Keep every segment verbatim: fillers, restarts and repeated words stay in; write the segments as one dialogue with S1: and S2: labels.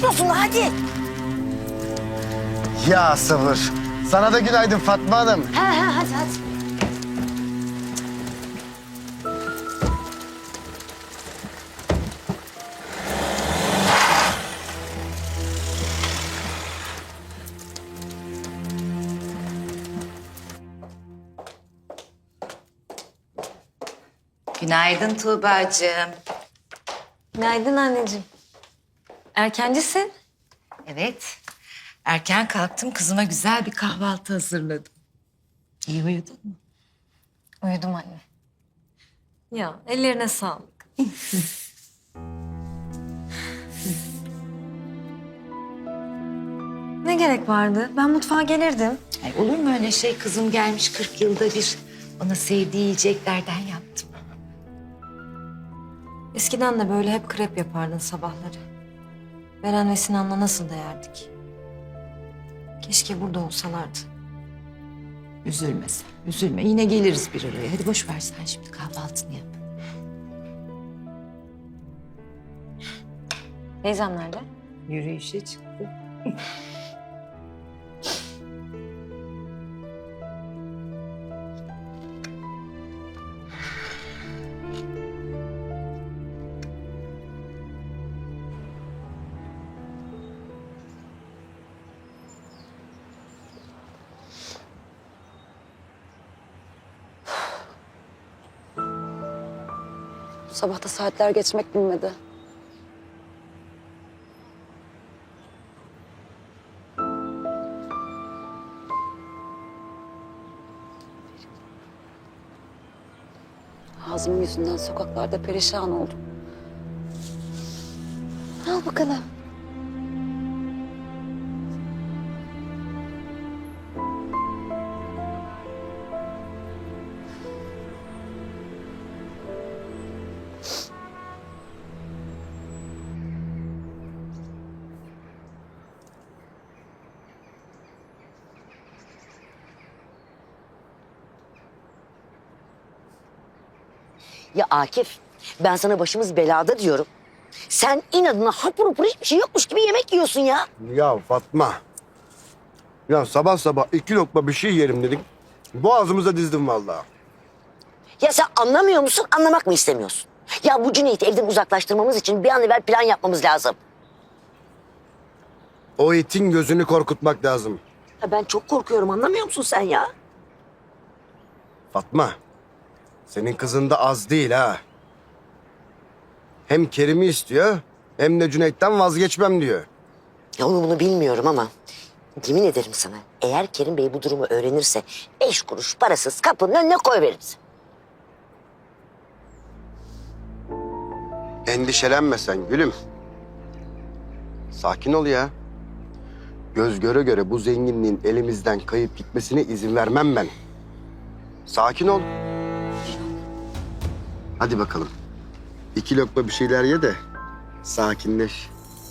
S1: bekliyorsun hadi.
S2: Ya sabır. Sana da günaydın Fatma Hanım.
S1: Ha ha hadi hadi.
S3: Günaydın Tuğba'cığım.
S4: Günaydın anneciğim. Erkencisin.
S3: Evet, erken kalktım. Kızıma güzel bir kahvaltı hazırladım. İyi uyudun mu?
S4: Uyudum anne. Ya ellerine sağlık. Ne gerek vardı? Ben mutfağa gelirdim.
S3: Ay, olur mu öyle şey? Kızım gelmiş kırk yılda bir. Ona sevdiği yiyeceklerden yaptım.
S4: Eskiden de böyle hep krep yapardın sabahları. Beren ve Sinan'la nasıl da yerdik. Keşke burada olsalardı.
S3: Üzülme sen, üzülme. Yine geliriz bir araya. Hadi boş ver sen şimdi kahvaltını yap.
S4: Teyzem nerede?
S3: Yürüyüşe çıktı.
S1: Bu sabah da saatler geçmek bilmedi. Ağzım yüzünden sokaklarda perişan oldum. Al bakalım.
S5: Ya Akif, ben sana başımız belada diyorum. Sen inadına hapur hapur hiçbir şey yokmuş gibi yemek yiyorsun ya.
S2: Ya Fatma. Ya sabah sabah iki lokma bir şey yerim dedik. Boğazımıza dizdim vallahi.
S5: Ya sen anlamıyor musun, anlamak mı istemiyorsun? Ya bu Cüneyt'i evden uzaklaştırmamız için bir an evvel plan yapmamız lazım.
S2: O itin gözünü korkutmak lazım.
S5: Ya ben çok korkuyorum, anlamıyor musun sen ya?
S2: Fatma. Senin kızın da az değil ha. Hem Kerim'i istiyor hem de Cüneyt'ten vazgeçmem diyor.
S5: Ya onu bunu bilmiyorum ama yemin ederim sana, eğer Kerim Bey bu durumu öğrenirse beş kuruş parasız kapının önüne koyveririz.
S2: Endişelenme sen gülüm. Sakin ol ya. Göz göre göre bu zenginliğin elimizden kayıp gitmesine izin vermem ben. Sakin ol. Hadi bakalım. İki lokma bir şeyler ye de sakinleş.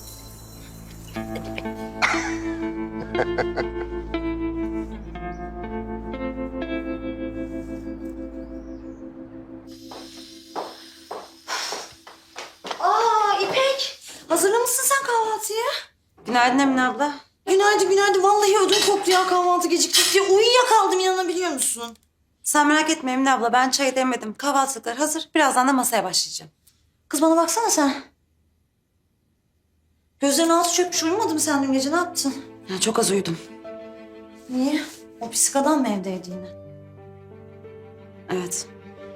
S6: Aa İpek, hazırlamışsın sen kahvaltıyı.
S7: Günaydın Emine abla.
S6: Günaydın günaydın. Vallahi ödüm koptu ya kahvaltı gecikecek diye. Uyuyakaldım, inanabiliyor musun?
S7: Sen merak etme Emine abla, ben çayı demledim. Kahvaltılıklar hazır. Birazdan da masaya başlayacağım.
S6: Kız bana baksana sen. Gözlerin altı çökmüş, uyumadın mı sen dün gece, ne yaptın?
S7: Ya çok az uyudum.
S6: Niye? O pis adam mı evdeydi yine?
S7: Evet.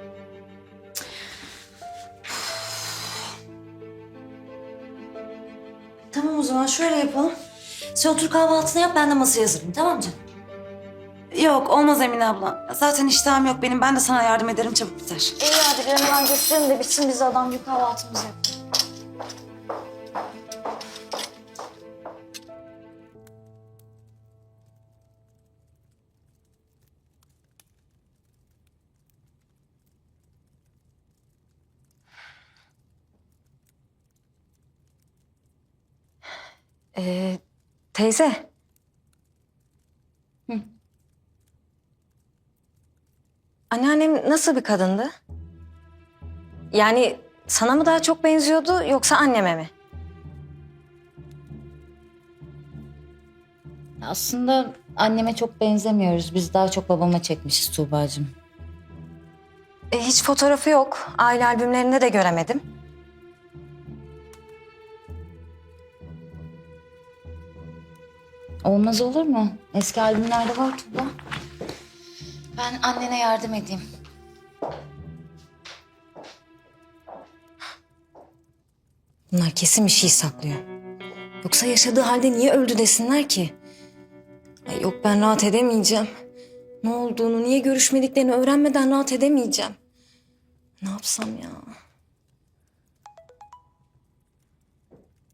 S6: Tamam o zaman şöyle yapalım. Sen otur kahvaltını yap, ben de masaya hazırlayayım, tamam mı canım?
S7: Yok olmaz Emine abla. Zaten iştahım yok benim. Ben de sana yardım ederim, çabuk biter.
S6: İyi hadi bir an hemen götürelim de bitsin, biz de adam gibi kahvaltımızı yapalım.
S4: Ee, teyze. Hı. Anneannem nasıl bir kadındı? Yani sana mı daha çok benziyordu yoksa anneme mi?
S8: Aslında anneme çok benzemiyoruz. Biz daha çok babama çekmişiz Tuğba'cığım.
S6: E, hiç fotoğrafı yok. Aile albümlerinde de göremedim.
S8: Olmaz olur mu? Eski albümlerde var Tuğba. Ben annene yardım edeyim.
S6: Bunlar kesin bir şey saklıyor. Yoksa yaşadığı halde niye öldü desinler ki? Ay yok, ben rahat edemeyeceğim. Ne olduğunu, niye görüşmediklerini öğrenmeden rahat edemeyeceğim. Ne yapsam ya?